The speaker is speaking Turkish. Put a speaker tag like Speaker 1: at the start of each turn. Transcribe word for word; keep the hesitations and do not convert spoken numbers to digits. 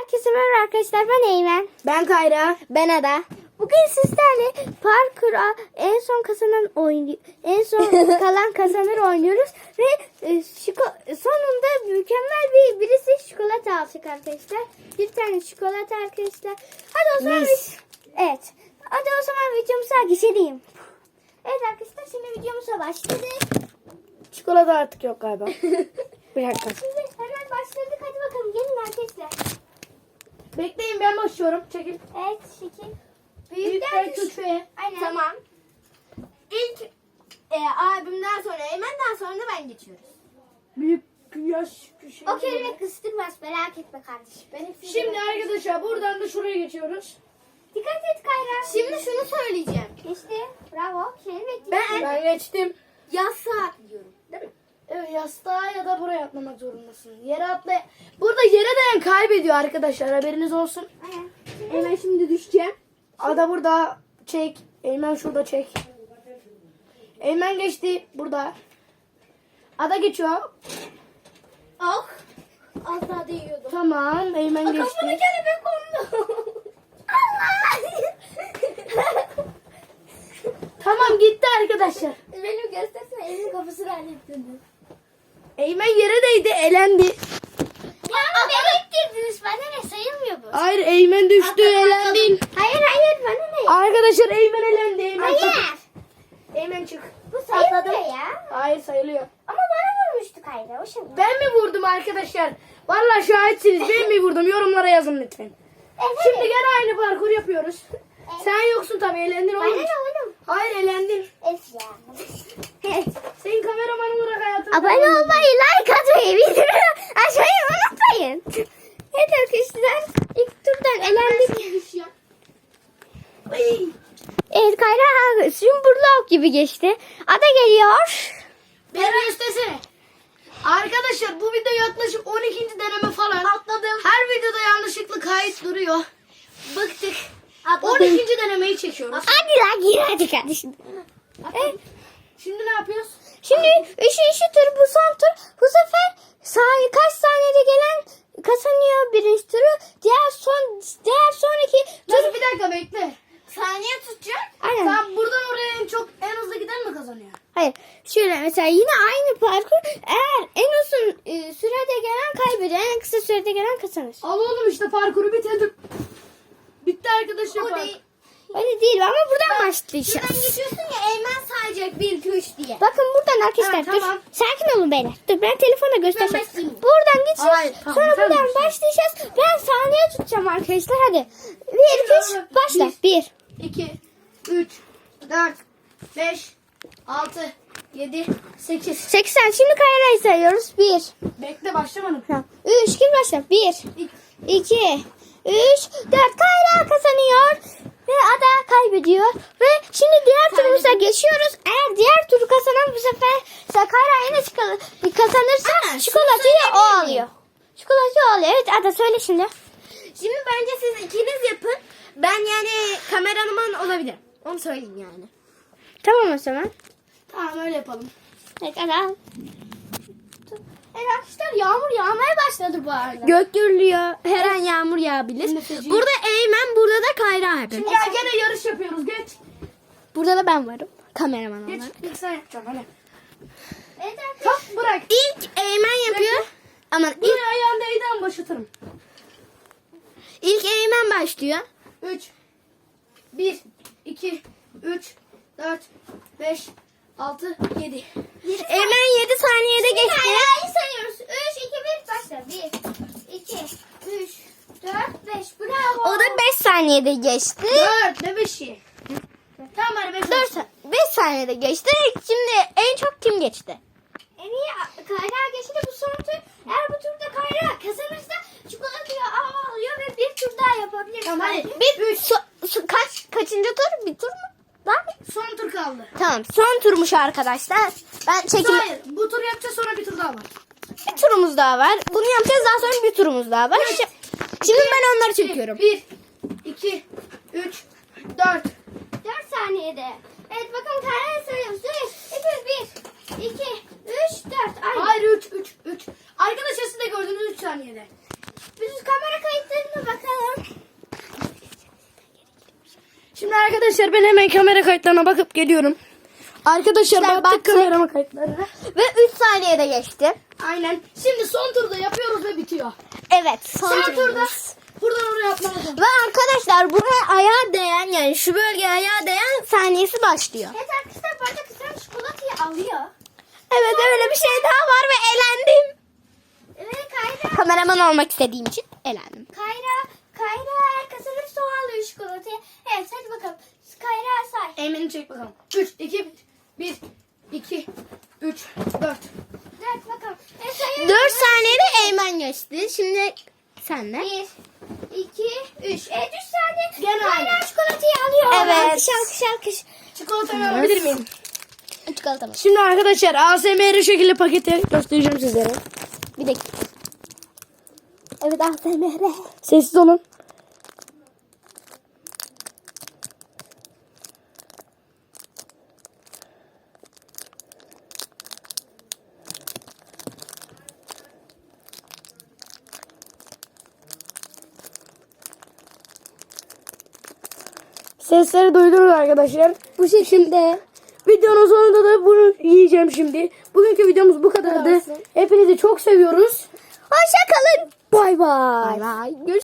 Speaker 1: Herkese merhaba arkadaşlar, ben Eymen.
Speaker 2: Ben Kayra.
Speaker 1: Ben Ada. Bugün sizlerle parkura en son kazanan oyun, en son kalan kazanır oynuyoruz ve e, şiko- sonunda mükemmel bir birisi çikolata alacak arkadaşlar. Bir tane çikolata arkadaşlar. Hadi o zaman
Speaker 2: Mis.
Speaker 1: biz, evet. Hadi o zaman videomuza geçelim. Evet arkadaşlar, şimdi videomuza başladık.
Speaker 2: Çikolata artık yok galiba. Bir dakika.
Speaker 1: Şimdi hemen başladık. Hadi bakalım, gelin arkadaşlar.
Speaker 2: Bekleyin, ben başlıyorum. Çekil.
Speaker 1: Evet, şekil.
Speaker 2: Büyükler küçüğe.
Speaker 1: Aynen.
Speaker 3: Tamam. İlk e, abimden sonra Eymen'den sonra da ben geçiyoruz.
Speaker 2: Büyük yaş küçük.
Speaker 1: O kelime kıstırmaz, merak etme kardeşim. Ben hepsini
Speaker 2: Şimdi
Speaker 1: merak ettim.
Speaker 2: arkadaşlar buradan da şuraya geçiyoruz.
Speaker 1: Dikkat et Kayra.
Speaker 3: Şimdi şunu söyleyeceğim.
Speaker 1: Geçti. Bravo. Kelime
Speaker 3: Ben
Speaker 2: Ben geçtim.
Speaker 3: yastığa atlıyorum. Değil mi?
Speaker 2: Evet, yastığa ya da buraya atlamak zorundasın. Yere atla. Burada yere değen kaybediyor arkadaşlar, haberiniz olsun.
Speaker 1: Aynen.
Speaker 3: Eymen şimdi düşeceğim.
Speaker 2: Ada burada çek. Eymen şurada çek. Eymen geçti burada. Ada geçiyor.
Speaker 3: Ah. Az daha değiyordum.
Speaker 2: Tamam, Eymen
Speaker 3: Kafana
Speaker 2: geçti.
Speaker 3: kelebek kondu.
Speaker 2: Tamam, gitti arkadaşlar.
Speaker 3: Benim göstersene elimin kafasını hallettin.
Speaker 2: Eymen yere değdi, elendi.
Speaker 1: Ya nereye girdiniz? Bana ne, sayılmıyor bu.
Speaker 2: Hayır, Eymen düştü,
Speaker 3: Atladım,
Speaker 2: elendin.
Speaker 1: Hayır hayır, bana ne?
Speaker 2: Arkadaşlar Eymen elendi. Eymen çık.
Speaker 1: Hayır.
Speaker 2: Eymen çık.
Speaker 1: Bu sayılmıyor ya.
Speaker 2: Hayır, sayılıyor.
Speaker 1: Ama bana vurmuştu Kayra. O şimdi.
Speaker 2: Ben mi vurdum arkadaşlar? Vallahi şahitsiniz. Ben mi vurdum? Yorumlara yazın lütfen.
Speaker 1: Evet.
Speaker 2: Şimdi gene aynı parkur yapıyoruz. Sen yoksun tabii, elendin
Speaker 1: Bana
Speaker 2: oğlum.
Speaker 1: ne oğlum?
Speaker 2: Hayır, elendin.
Speaker 1: Es ya.
Speaker 2: Senin kameraman olarak hayatını...
Speaker 1: Abone olmayı, like atmayı, bildirim açmayı unutmayın. Evet arkadaşlar, ilk turdan elendik.
Speaker 2: Ay.
Speaker 1: Evet Kayra Zümburlok gibi geçti. Ada geliyor.
Speaker 2: Beni göstersene. Arkadaşlar bu video yaklaşık on ikinci deneme falan.
Speaker 3: Atladım.
Speaker 2: Her videoda yanlışlıkla kayıt duruyor. Bıktık. on
Speaker 3: Atladım.
Speaker 2: ikinci denemeyi çekiyoruz.
Speaker 1: Hadi lan gir hadi kardeşim. Evet.
Speaker 2: Şimdi ne yapıyoruz?
Speaker 1: Şimdi üçüncü tur, bu son tur. Bu sefer saniye, kaç saniyede gelen kazanıyor birinci turu. Diğer son diğer sonraki tur.
Speaker 2: Dur bir dakika, bekle.
Speaker 3: Saniye tutacak.
Speaker 1: Aynen.
Speaker 2: Sen buradan oraya en çok en hızlı giden mi kazanıyor?
Speaker 1: Hayır. Şöyle mesela yine aynı parkur. Eğer en uzun e, sürede gelen kaybediyor. En kısa sürede gelen kazanır.
Speaker 2: Al oğlum, işte parkuru bitirdim. Bitti arkadaşlar.
Speaker 3: O
Speaker 2: parkur.
Speaker 3: değil.
Speaker 1: Öyle değil ama buradan
Speaker 3: Şuradan
Speaker 1: başlayacağız.
Speaker 3: geçiyorsun ya, Eymen sayacak bir iki üç diye.
Speaker 1: Bakın buradan arkadaşlar,
Speaker 2: Ha,
Speaker 1: dur.
Speaker 2: tamam.
Speaker 1: Sakin olun beyler. Dur, ben telefona göstereceğim.
Speaker 3: başlayayım.
Speaker 1: Buradan geçeceğiz.
Speaker 2: Hayır, tamam,
Speaker 1: sonra
Speaker 2: sen
Speaker 1: buradan
Speaker 2: başla.
Speaker 1: başlayacağız. Ben saniye tutacağım arkadaşlar. Hadi. Bir, iki, üç. Başla. Bir.
Speaker 2: iki, üç, dört, beş, altı, yedi, sekiz.
Speaker 1: seksen. Şimdi Kayra'yı sayıyoruz. Bir.
Speaker 2: Bekle, başlamadım.
Speaker 1: Tamam. Üç. Kim başla? Bir. iki. Üç. Dört. Kayra kazanıyor. Ve Ada kaybediyor. Ve şimdi diğer turumuza geçiyoruz. Eğer diğer turu kazanan bu sefer Kayra yine çıkar- kazanırsa
Speaker 3: Aa,
Speaker 1: çikolatayı
Speaker 3: şunu
Speaker 1: o
Speaker 3: söyleyebilir
Speaker 1: alıyor. Çikolatayı o alıyor. Evet Ada, söyle şimdi.
Speaker 3: Şimdi bence siz ikiniz yapın. Ben yani kameraman olabilirim. Onu söyleyeyim yani.
Speaker 1: Tamam o zaman.
Speaker 2: Tamam, öyle yapalım.
Speaker 1: Evet Ada.
Speaker 3: Evet arkadaşlar, yağmur yağmaya başladı bu arada. Gök gürlüyor. Her an yağmur yağabilir.
Speaker 2: Nefeci.
Speaker 3: Burada Eymen, burada da Kayra abi.
Speaker 2: Şimdi gel, gene yarış yapıyoruz, geç.
Speaker 3: Burada da ben varım. Kameraman
Speaker 2: Geç,
Speaker 3: olarak.
Speaker 2: ilk sen yapacaksın hadi.
Speaker 1: Evet arkadaşlar.
Speaker 2: Kalk, bırak.
Speaker 3: İlk Eymen yapıyor. Aman ilk,
Speaker 2: Bir ayağın değden başlatırım.
Speaker 3: ilk Eymen başlıyor.
Speaker 2: üç, bir, iki, üç, dört, beş, altı, yedi.
Speaker 3: Eymen yedi saniyede geçti.
Speaker 1: Kayra'yı sayıyoruz. Üç, iki, bir. Başla. Bir, iki, üç, dört, beş. Bravo.
Speaker 3: O da beş saniyede geçti.
Speaker 2: dört, ne beşi? Tamam, hadi beş.
Speaker 3: dört beş saniyede geçti. Şimdi en çok kim geçti?
Speaker 1: En iyi Kayra geçti bu son tur. Eğer bu turda Kayra kazanırsa çikolatayı alıyor ve bir tur daha yapabilir.
Speaker 2: Tamam, hadi.
Speaker 3: Bir so- so- kaç kaçıncı tur? Bir tur mu? Var mı?
Speaker 2: Son tur kaldı.
Speaker 3: Tamam, son turmuş arkadaşlar. Ben çekim
Speaker 2: Hayır, bu tur yapacağız, sonra bir tur daha var.
Speaker 3: bir turumuz daha var. Bunu yapacağız, daha sonra bir turumuz daha var.
Speaker 2: Evet.
Speaker 3: Şi- Şimdi ben onları çekiyorum.
Speaker 2: bir, iki, üç, dört.
Speaker 1: dört saniyede. Evet bakın Kayra'yı sayıyoruz. üç, bir, iki, üç, dört. Aynı.
Speaker 2: Hayır, üç, üç, üç. Arkadaşlar siz de gördünüz, üç saniyede.
Speaker 1: Biz kamera kayıtlarını
Speaker 2: arkadaşlar ben hemen kamera kayıtlarına bakıp geliyorum. Arkadaşlar
Speaker 3: Arkadaşlar,
Speaker 2: baktık
Speaker 3: baktık.
Speaker 2: kamera kayıtlarına.
Speaker 3: Ve üç saniyede geçti.
Speaker 2: Aynen. Şimdi son turda yapıyoruz ve bitiyor.
Speaker 3: Evet. Son,
Speaker 2: Son turda
Speaker 3: turumuz.
Speaker 2: buradan oraya atmamız lazım.
Speaker 3: Ve arkadaşlar buraya ayağa değen yani şu bölgeye ayağa değen saniyesi başlıyor.
Speaker 1: Evet arkadaşlar bu arada kızım çikolatayı alıyor.
Speaker 3: Evet öyle bir şey daha var ve elendim.
Speaker 1: Ve Kayra,
Speaker 3: Kameraman olmak istediğim için elendim.
Speaker 1: Kayra, Kayra eğer kazanırsa o alıyor çikolatayı. Evet hadi bakalım. Kayra say.
Speaker 2: Eymen'i çek bakalım. üç, iki, bir, iki, üç, dört.
Speaker 1: Dört bakalım. E, sayıyorum.
Speaker 3: dört saniyede Eymen geçti. Şimdi senle.
Speaker 1: Bir, iki, üç. Evet üç saniye.
Speaker 2: Gene
Speaker 1: Kayra
Speaker 2: aynı.
Speaker 1: çikolatayı alıyor.
Speaker 3: Evet.
Speaker 1: Alkış alkış alkış.
Speaker 2: Çikolatamı alabilir miyim?
Speaker 3: Çikolata mı?
Speaker 2: Şimdi arkadaşlar A S M R şekilde paketi göstereceğim sizlere.
Speaker 3: Bir dakika. Evet A S M R.
Speaker 2: Sessiz olun. Sesleri duydunuz arkadaşlar. Bu şekilde videonun sonunda da bunu yiyeceğim şimdi. Bugünkü videomuz bu kadardı. Hepinizi çok seviyoruz.
Speaker 3: Hoşça kalın.
Speaker 2: Bay bay.
Speaker 3: Bay bay. Görüşürüz.